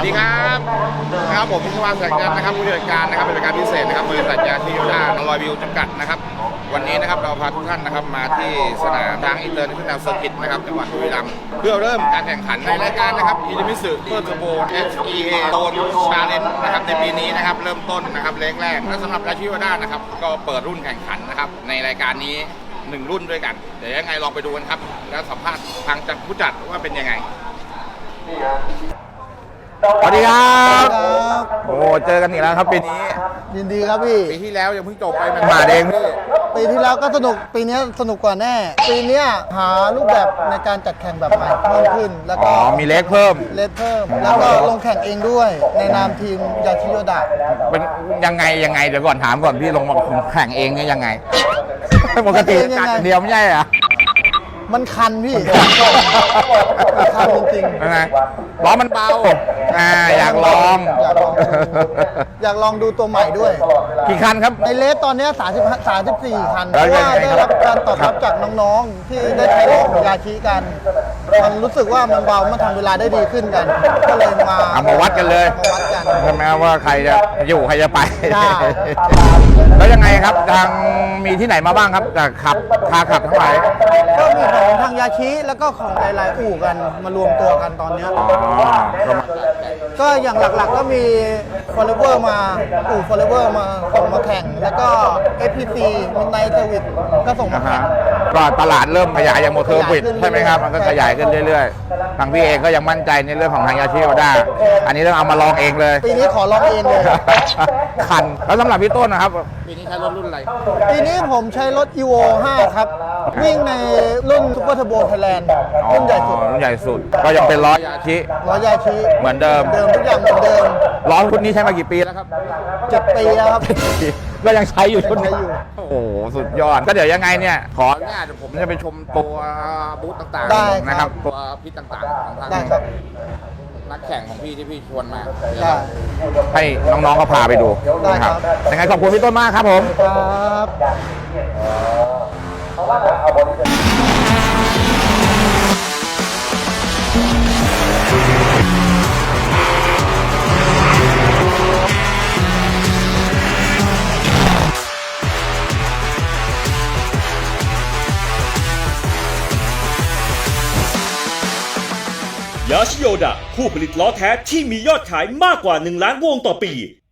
ดีครับผมพิศวาสแสงจันทร์นะครับผู้จัดการนะครับเป็นการพิเศษนะครับบริษัทยาชิโยดาลอยวิวจำกัดนะครับวันนี้นะครับเราพาทุกท่านนะครับมาที่สนามช้างอินเตอร์เนชั่นแนลเซอร์กิตนะครับจังหวัดบุรีรัมย์เพื่อเริ่มการแข่งขันในรายการนะครับอิลิมิสึเพื่อเทอร์โบ HEA โดนชาเลนจ์นะครับในปีนี้นะครับเริ่มต้นนะครับเล็กแรกและสำหรับยาชิโยดานะครับก็เปิดรุ่นแข่งขันนะครับในรายการนี้1รุ่นด้วยกันเดี๋ยวยังไงลองไปดูกันครับแล้วสัมภาษณ์ทางจากผู้จัดว่าเป็นยังไงสวัสดีครับโอ้เจอกันอีกแล้วครับปีนี้ยินดีครับพี่ปีที่แล้วยังเพิ่งจบไปมันมาเองพี่ปีที่แล้วก็สนุกปีนี้สนุกกว่าแน่ปีนี้หารูปแบบในการจัดแข่งแบบใหม่เพิ่มขึ้นแล้วก็มีเลขเพิ่มแล้วก็ลงแข่งเองด้วยในนามทีมยาชิโยดะเป็นยังไงเดี๋ยวก่อนถามก่อนพี่ลงมาแข่งเองเนี่ยยังไงปกติจัดเดียวไม่ใช่เหรอมันคันพี่คันจริงๆยังไงล้อมันเบาอยากลองดูตัวใหม่ด้วยกี่คันครับในเลสตอนนี้34คันเพราะว่าได้รับการตอบรับจากน้องๆที่ได้ใช้รถของยาชิกันมันรู้สึกว่ามันเบามันทำเวลาได้ดีขึ้นกันก็เลยมาวัดกันเลยใช่ไหมว่าใครจะอยู่ใครจะไปแล้วยังไงครับทางมีที่ไหนมาบ้างครับจากพาขับทั้งหลายก็มีของทางยาชิแล้วก็ของหลายๆอู่กันมารวมตัวกันตอนนี้ก็อย่างหลักๆก็มี Forever มาอู่ Forever มาส่งมาแข่งแล้วก็ FPC Midnight Service ก็ส่งมาแข่งก็ตลาดเริ่มขยายอย่างโมเทอร์บิดใช่ไหมครับมันก็ขยายขึ้นเรื่อยๆทางพี่เองก็ยังมั่นใจในเรื่องของทางยาชิโอด้าอันนี้ต้องเอามาลองเองเลยปีนี้ขอลองเองเลยคันแล้วสำหรับพี่ต้นนะครับปีนี้ใช้รถรุ่นอะไรปีนี้ผมใช้รถ Evo 5ครับวิ่งในรุ่น Super Turbo Thailand รุ่นใหญ่สุดก็ยังเป็นล้อยาชิเหมือนเดิมทุกอย่างเหมือนเดิมล้อรุ่นนี้ใช้มากี่ปีแล้วครับ 7 ปีแล้วครับก็ยังใช้อยู่ชุดนี้โอ้โหสุดยอดก็เดี๋ยวยังไงเนี่ยขอเนี่ยเดี๋ยวผมจะไปชมตัวบูธต่างๆนะครับตัวพิษต่างๆของทางนักแข่งของพี่ที่พี่ชวนมาให้น้องๆก็พาไปดูนะครับยังไงขอบคุณพี่ต้นมากครับผมยาชิโยดะผู้ผลิตล้อแท้ที่มียอดขายมากกว่า1 ล้านวงต่อปี